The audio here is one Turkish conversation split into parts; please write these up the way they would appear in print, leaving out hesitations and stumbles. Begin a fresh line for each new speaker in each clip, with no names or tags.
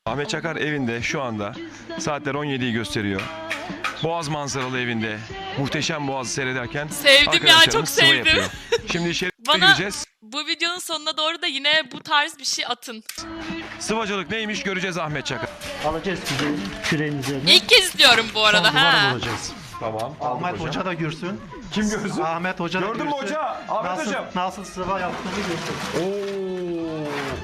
Ahmet Çakar evinde şu anda saatler 17'yi gösteriyor. Boğaz manzaralı evinde muhteşem Boğaz'ı seyrederken
Sevdim ya, çok
arkadaşlarımız sıva
sevdim.
yapıyor. Şimdi içeri
Bana
gireceğiz.
bu videonun sonuna doğru da yine bu tarz bir şey atın.
Sıvacılık neymiş göreceğiz Ahmet Çakar.
Alacağız küreğin üzerine.
İlk kez izliyorum bu arada
Son duvara
ha.
vuracağız.
Tamam.
Ahmet Hoca da görsün.
Kim görsün?
Ahmet Hoca da
Gördün
görsün.
mü hoca? Ahmet
nasıl,
hocam.
Nasıl sıva yaptığını görsün.
Oo.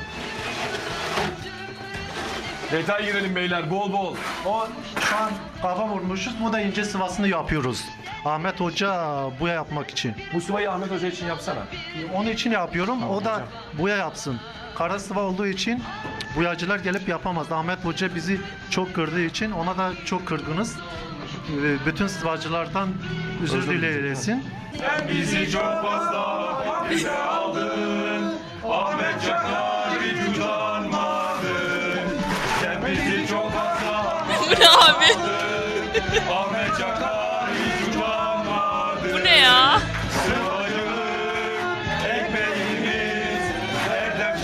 Detay girelim beyler bol bol.
O şu an kafa vurmuşuz. Bu da ince sıvasını yapıyoruz. Ahmet Hoca buya yapmak için.
Bu sıvayı Ahmet Hoca için yapsana.
Onun için yapıyorum. O da buya yapsın. Kara sıva olduğu için buyacılar gelip yapamaz. Ahmet Hoca bizi çok kırdığı için ona da çok kırgınız. Bütün sıvacılardan özür dileyesin.
Sen bizi çok fazla bize aldın. Ahmet Çakar hiç utanmadın. Sen bizi çok fazla
Bu ne abi?
Ahmet Çakar hiç utanmadın.
Bu ne ya?
Sıvacılık ekmeğimiz erdem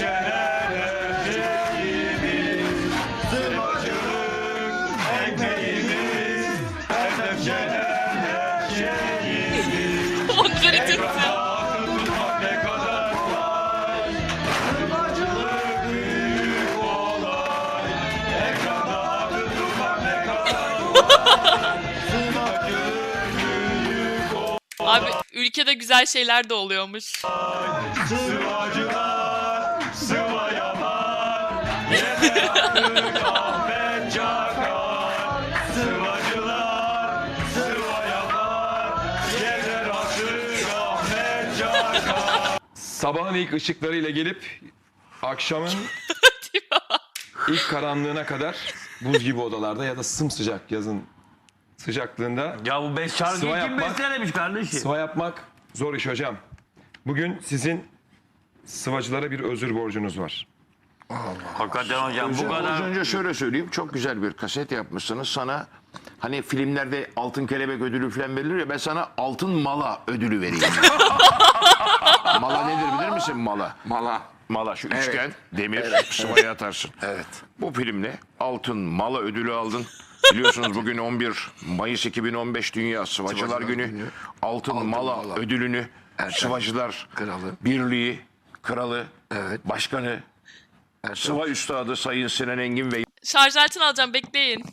şerefimiz. Sıvacılık ekmeğimiz erdem şerefimiz.
Onları tutsun.
Tutmak ne kadar kolay. Sıvacılık büyük olay. Ekranda tutmak ne kadar kolay. Sıvacılık büyük olay.
Abi ülkede güzel şeyler de oluyormuş.
Sıvacılar sıva yapar. Yeter artık Ahmet Çakar. Sıvacılar sıva yapar. Yeter artık Ahmet Çakar. Sabahın ilk ışıklarıyla gelip akşamın ilk karanlığına kadar buz gibi odalarda ya da sımsıcak yazın sıcaklığında
Ya bu şarkıyı
Sıva
kim
yapmak-
bestelemiş kardeşim?
sıva yapmak zor iş hocam. Bugün sizin sıvacılara bir özür borcunuz var.
Hakikaten hocam bu
Az
kadar.
önce şöyle söyleyeyim. Çok güzel bir kaset yapmışsınız. Sana hani filmlerde altın kelebek ödülü falan verilir ya, ben sana altın mala ödülü vereyim. Mala nedir bilir misin mala? Mala şu üçgen demir sıvaya atarsın.
Evet.
Bu filmle altın mala ödülü aldın. Biliyorsunuz bugün 11 Mayıs 2015 Dünya Sıvacılar
Sıvacılar
Günü.
Günü.
Altın mala
Mala.
ödülünü
Ertem
Sıvacılar
Kralı.
Birliği Kralı,
Evet.
Başkanı, Sıva Üstadı Sayın Sinan Engin ve
Şarj aletini alacağım, bekleyin.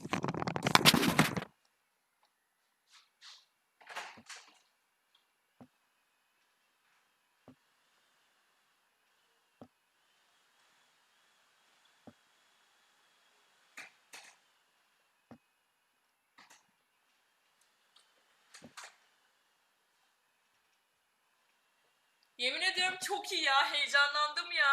Yemin ediyorum çok iyi ya, heyecanlandım ya.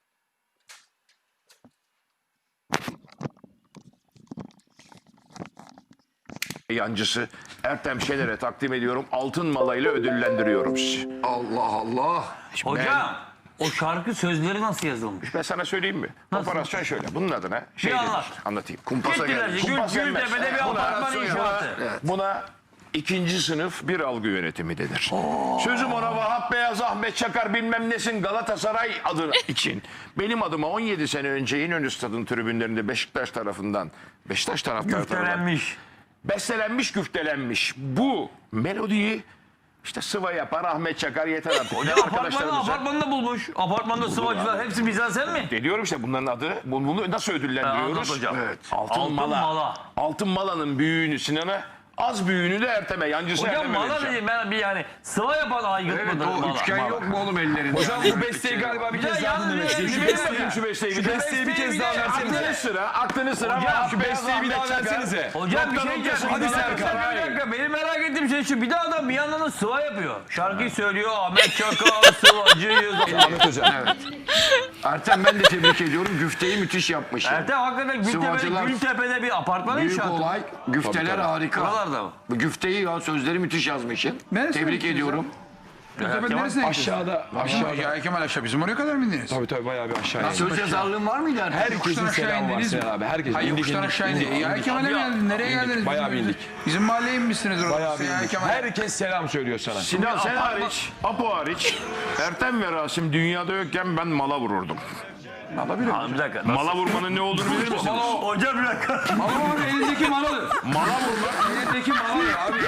yancısı Ertem Şener'e takdim ediyorum. Altın malayla ödüllendiriyorum sizi.
Allah Allah.
Hocam o şarkı sözleri nasıl yazılmış?
Ben sana söyleyeyim mi? Operasyon şöyle. Bunun adına şey
Bir
denir.
anlat.
Anlatayım.
Kumpasa
Gittiler
gelmiş.
Kumpas yenmez.
Gültepe'de bir
Buna-
apartman inşaatı.
Buna ikinci sınıf bir algı yönetimi denir. Sözüm ona Vahap Beyaz, Ahmet Çakar bilmem nesin Galatasaray adı için. Benim adıma 17 sene önce İnönü Stadı'nın tribünlerinde Beşiktaş taraftarları tarafından
Güftelenmiş.
bestelenmiş, güftelenmiş. Bu melodiyi işte sıva yapar Ahmet Çakar yeter artık.
Hocam
Arkadaşlarımıza.
apartmanda bulmuş. Apartmanda sıvacılar hepsi bizden sen mi?
Diyorum işte bunların adı. Bunu nasıl ödüllendiriyoruz?
Anlat hocam.
Evet.
Altın mala. Altın malanın büyüğünü Sinan'a, az büyüğünü de Ertem'e. Yancısı
Hocam
Ertem'e
mala
vereceğim.
dedim ben bir yani sıva yapan aygıt
Evet,
mıdır
o
mala?
üçgen yok mu oğlum ellerinde?
Hocam bu besteyi galiba bir
Ya
kez daha
yalnız
dinlemek istiyorum.
bir
Şu
şey
besteyi,
söyleyeyim.
Şu besteyi bir
şu
de.
besteyi bir kez daha
Aklını
versenize.
sıra, aklını sıra.
Hocam,
Vahap
Şu
Beyaz,
besteyi bir daha
Ahmet Çakar.
versenize.
Hocam bir şey diyeceğim.
Hadi Serkan.
Bir dakika benim merak ettiğim şey şu. Bir de adam bir yandan da sıva yapıyor. Şarkıyı söylüyor. Ahmet Çakar sıvacıyız.
Ahmet hocam.
Evet. Ertem ben de tebrik ediyorum. Güfteyi müthiş yapmış.
Ertem hakikaten
Sıvacılar-
Gültepe'de bir apartman
Büyük
inşaatı.
olay. Güfteler harika.
Buralarda mı?
Bu güfteyi ya sözleri müthiş yazmışsın. Tebrik ediyorum.
Gültepe neresine
Aşağıda. Aşağıda.
Ya Kemal aşağı bizim oraya kadar mı indiniz?
Tabii tabii bayağı bir aşağıya.
Söz yazarlığın var mıydı Ertem?
Herkesin
Yokuştan aşağı
selamı var
indiniz mi?
Sinan abi. Herkes
Hayır yokuştan aşağı indiniz. Ya Kemal'e mi geldiniz? Nereye geldiniz?
Bayağı bir indik.
Bizim mahalleye inmişsiniz orada.
Bayağı bir
Ya
indik.
Kemal.
Herkes selam söylüyor sana.
Sinan sen hariç, Apo hariç, Ertem ve Rasim dünyada yokken ben mala vururdum.
Alabilir.
Bir dakika.
Mala vurmanın ne olduğunu bilir misiniz?
Hocam bir dakika.
Mala vurmak elindeki maladır.
Mala vurmak.
Elindeki maladır abi.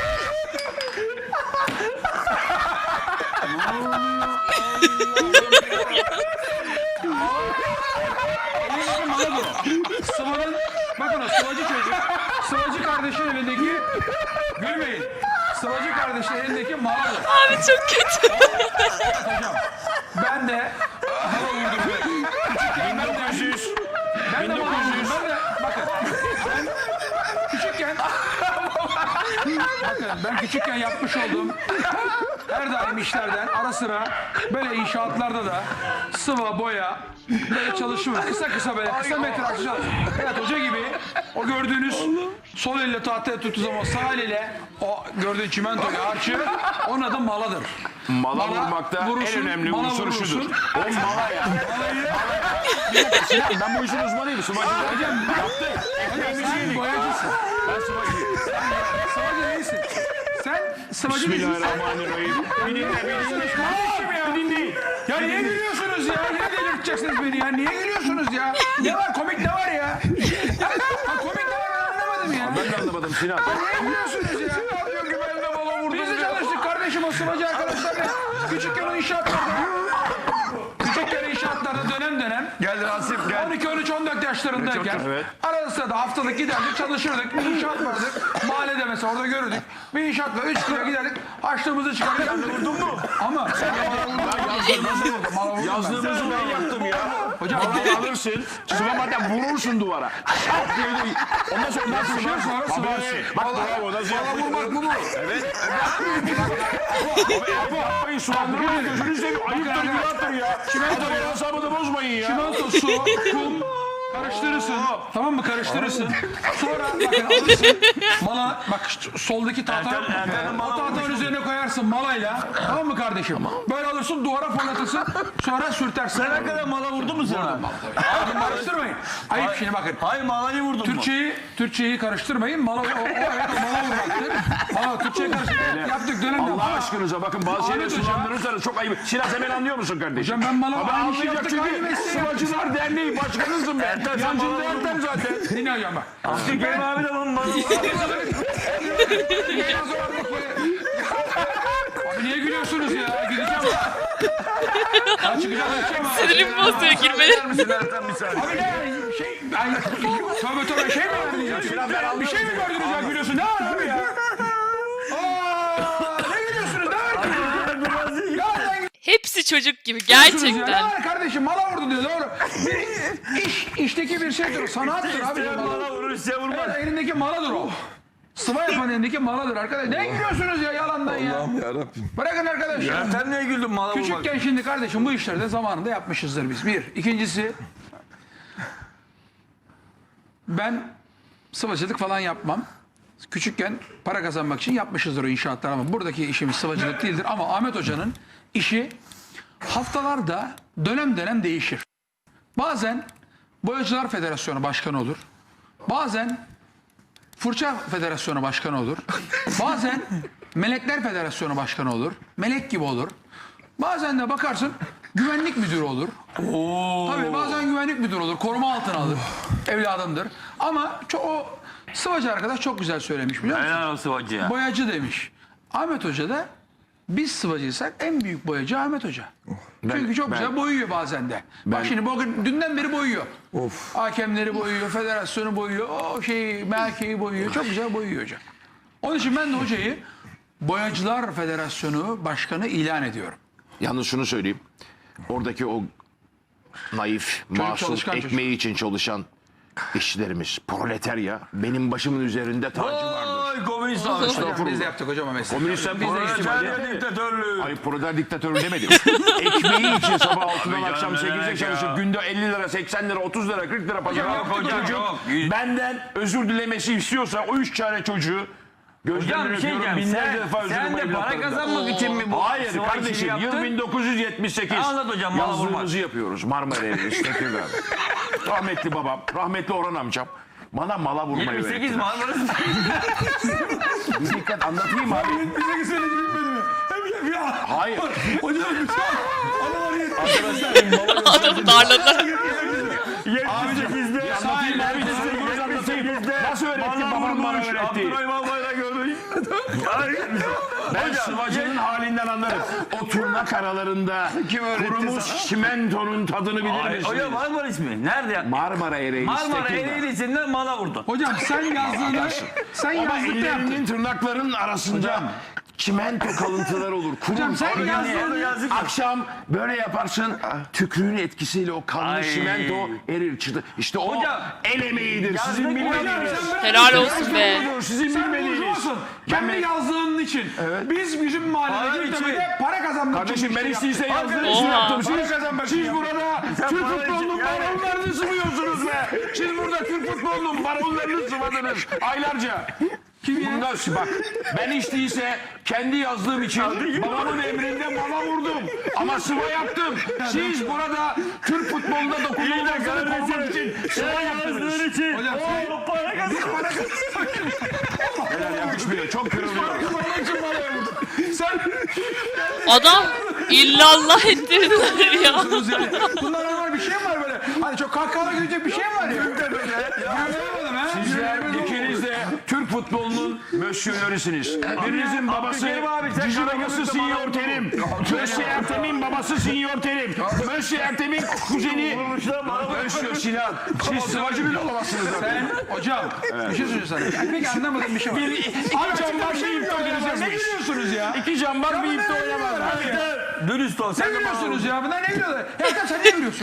Elindeki maladır o. Sıvanın, bakın o sıvacı çocuk. Sıvacı kardeşin elindeki, gülmeyin. Sıvacı kardeşin elindeki maladır.
Abi çok kötü.
Hocam ben de hava vurdum.
1900.
Ben de hava vurdum. Ben de bakın ben küçükken bakın ben küçükken yapmış olduğum her daim işlerden ara sıra böyle inşaatlarda da sıva boya böyle çalışıyoruz. Kısa böyle kısa metrajlı çalışıyoruz. Evet hoca gibi o gördüğünüz sol elle tahtaya tuttuğu zaman sağ eliyle o gördüğün çimentoyu harçı onun adı maladır.
Mala
Mala
vurmakta
vurursun,
en önemli
mala
unsur
vurursun.
şudur. O mala ya. Sinan, ben bu işin uzmanıyım. Sıvacı.
Hocam sen boyacısın.
Ben sıvacıyım.
Sıvacı değilsin. Sen sıvacı değilsin.
Bismillahirrahmanirrahim. Bir dinle.
Kardeşim ya.
Dinleyin.
Ya niye gülüyorsunuz ya? Yine delirteceksiniz beni ya. Niye gülüyorsunuz ya? Ne var? Komik ne var ya? Ha, komik ne var ben anlamadım ya.
Ben de anlamadım Sinan.
Niye gülüyorsunuz ya?
Diyor ki ben de mala vurdum.
Biz de çalıştık kardeşim o sıvacı arkadaşlarla. Küçükken o inşaatlarda. Küçükken inşaatlarda dönem.
Gel Rasim gel.
12, 13, 14 yaşlarındayken
Evet.
arada sırada haftalık giderdik çalışırdık. Bir inşaat vardı. Mahallede mesela orada görürdük. Bir inşaatla 3 kilo giderdik. Açlığımızı çıkardık. Vurdun mu? Ama sen de bana vurdun.
Yazdığımızı ben yaptım ya.
Hocam
Malayı alırsın. Sıvamadan vurursun duvara. Şak diye de. Ondan sonra nasıl
bir şey sonra sıvarsın.
Bak bravo. Nasıl yaptın?
vurmak bu mu?
Evet. Abi yapmayın. Sulandırmayın. Gözünü seveyim. Ayıptır günahtır ya. Adamın hesabını bozmayın ya.
Çimento, su, kum karıştırırsın. Tamam mı? Karıştırırsın. Sonra bakın alırsın. Mala bak soldaki tahta. O tahtanın üzerine koyarsın malayla. Tamam mı kardeşim? Böyle alırsın duvara fırlatırsın. Sonra sürtersin.
Sen ne kadar mala vurdun mu sen?
Abi karıştırmayın. Ayıp şimdi bakın.
Hayır malayı vurdun mu?
Türkçeyi karıştırmayın. Mala evet o mala vurmaktır. Mala Türkçeyi karıştırmayın. Yaptık dönemde.
Allah aşkınıza bakın bazı şeyleri
Ahmet Hoca.
sulandırırsanız çok ayıp. Sinan sen beni anlıyor musun kardeşim?
Hocam ben mala
Abi
aynı şey
anlayacak
yaptık. Aynı
çünkü
mesleği yaptık.
Sıvacılar Derneği başkanısın ben. Yancında Ertem zaten.
Dinle hocam bak.
Abdülkerim abi de onun malı.
Abi niye gülüyorsunuz ya? Gideceğim. Ya çıkacağım.
Sinirimi bozuyor girmeleri.
misin Ertem bir saniye?
Abi ne şey ay tövbe şey mi verdiniz ya? Bir şey mi gördünüz ya gülüyorsun? Ne var abi ya? Ne gülüyorsunuz? Ne var ki? Ya
Hepsi çocuk gibi
ne
gerçekten.
var kardeşim? Mala vurdu diyor doğru. İşteki bir şeydir. Sanattır abi.
Mala vurur size vurmaz.
Evet, elindeki maladır o. Sıva yapan elindeki maladır arkadaş. Ne gülüyorsunuz ya yalandan ya? Allah'ım yarabbim. Bırakın arkadaşlar.
Ertem niye güldün mala vurmak?
Küçükken şimdi kardeşim bu işleri de zamanında yapmışızdır biz. Bir. İkincisi ben sıvacılık falan yapmam. Küçükken para kazanmak için yapmışızdır o inşaatlar ama buradaki işimiz sıvacılık değildir. Ama Ahmet Hoca'nın işi haftalarda dönem değişir. Bazen Boyacılar Federasyonu Başkanı olur. Bazen Fırça Federasyonu Başkanı olur. Bazen Melekler Federasyonu Başkanı olur. Melek gibi olur. Bazen de bakarsın güvenlik müdürü olur. Tabii bazen güvenlik müdürü olur. Koruma altına alır. Evladımdır. Ama o sıvacı arkadaş çok güzel söylemiş biliyor musun?
Helal olsun hacı ya.
Boyacı demiş. Ahmet Hoca da biz sıvacıysak en büyük boyacı Ahmet Hoca. Çünkü çok güzel boyuyor bazen de. Bak şimdi bugün dünden beri boyuyor. Hakemleri boyuyor, federasyonu boyuyor, o merkeği boyuyor. Çok güzel boyuyor hoca. Onun için ben de hocayı Boyacılar Federasyonu Başkanı ilan ediyorum.
Yalnız şunu söyleyeyim. Oradaki o naif, masum,
çalışkan
ekmeği için çalışan işçilerimiz, proletarya benim başımın üzerinde tacı vardır.
Oy komünist
Hocam
abi.
biz de yaptık hocam o mesleği.
Komünistler
Proletarya diktatörlüğü.
Ay proleter diktatörü demedim. Ekmeği için sabah 6'dan akşam
canım,
8'e
demek
çalışıp
ya.
günde 50 lira, 80 lira, 30 lira, 40 lira pazar
Yok hocam,
çocuk
yok.
benden özür dilemesi istiyorsa o 3 tane çocuğu
Hocam
gözlerinden
bir şey
öpüyorum.
diyeceğim.
Binlerce defa özür
Sen
dilerim
de para
evlatlarımdan.
kazanmak için mi bu?
Hayır
sıva işini
kardeşim yıl
yaptın?
1978.
Anlat hocam, mala vurmak.
Yazlığımızı yapıyoruz Marmara Evi, Tekirdağ'da. Rahmetli babam, rahmetli Orhan amcam bana mala vurmayı
28 mi
öğrettiler.
Marmaris?
Bir dikkat anlatayım abi.
Bize söyledi bilmedi mi?
Hayır.
Hocam bir şey. Analar yetti.
Adamı darladılar.
78'de anlatayım abi. 78'de
Nasıl öğretti babam bana öğretti.
Abdurrahim Albayrak gördük.
Ben sıvacının halinden anlarım. O turnak aralarında kurumuş çimentonun tadını bilir misiniz?
Hocam Marmara ismi. Nerede ya?
Marmara Ereğli.
Marmara
Tekirdağ.
Ereğlisi'nden mala vurdun.
Hocam sen yazdığını sen
Ama
yazdıkta yaptın.
ellerinin tırnaklarının arasında çimento kalıntılar olur.
Hocam sen
Kurur.
yazdığını
Akşam böyle yaparsın, tükrüğün etkisiyle o kanlı
Ay.
çimento erir çıtır. İşte o
Hocam,
el emeğidir.
yazdık
Sizin
hocam,
bilmediğiniz.
Helal olsun be.
Sizin
sen
bilmediğiniz.
burjuvasın. Kendi yazdığın için. Biz bizim mahallede
Para
Gültepe'de para kazanmak
Kardeşim ben
için
isteyse yazdığım için
Oha.
yaptım. Siz burada Türk futbolunun baronlarını sıvıyorsunuz be. Siz burada Türk futbolunun baronlarını sıvadınız aylarca. Bundan bak ben hiç değilse kendi yazdığım için babamın emrinde mala vurdum. Ama sıva yaptım. Siz burada Türk futbolunda dokunulmazlığını korumak için sıva yaptınız.
Hocam
Helal yakışmıyor. Çok kırılıyor.
Adam illallah ettirdiler ya.
yani. Bunlar normal bir şey mi var böyle? Hani çok kahkahalar gülecek bir şey mi var ya? Göremedim ha.
Sizler ikiniz de Türk futbolunun mösyölerisiniz. Birinizin babası Cici babası Sinyor Terim. Mösyö Ertem'in babası Sinyor Terim. Mösyö Ertem'in kuzeni Mösyö Sinan. Siz sıvacı bile olamazsınız.
Hocam bir şey söyleyeceğim sana. Yani pek anlamadığım bir şey var.
İki cambaz bir ipte
Ne
oynamazmış.
gülüyorsunuz ya?
İki cambaz bir ipte oynamazmış.
Dürüst ol.
Ne
Sen de bana
gülüyorsunuz ya? Bunlar ne gülüyorlar? Ya sen ne gülüyorsun?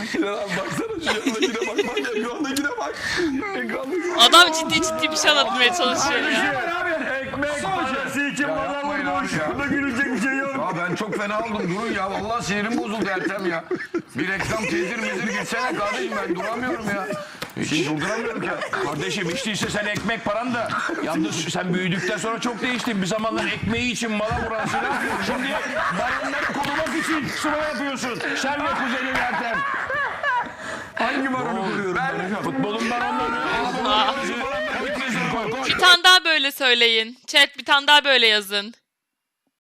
Adam ciddi ciddi bir şey anlatmaya çalışıyor ya.
ekmek parası için bana vurmuş. Burada gülecek bir şey yok.
Ya ben çok fena oldum durun ya. Vallahi sinirim bozuldu Ertem ya. Bir reklam tezir mezir gitsene kardeşim ben duramıyorum ya. Hiç durduramıyorum ki.
Kardeşim hiç değilse sen ekmek paran da yalnız sen büyüdükten sonra çok değiştin. Bir zamanlar ekmeği için mala vurasına şimdi baronları korumak için sıva yapıyorsun. Sen ve kuzenin Ertem.
Hangi baronu kuruyorum ben?
Futbolun baronları.
Bir tane daha böyle söyleyin. Chat bir tane daha böyle yazın.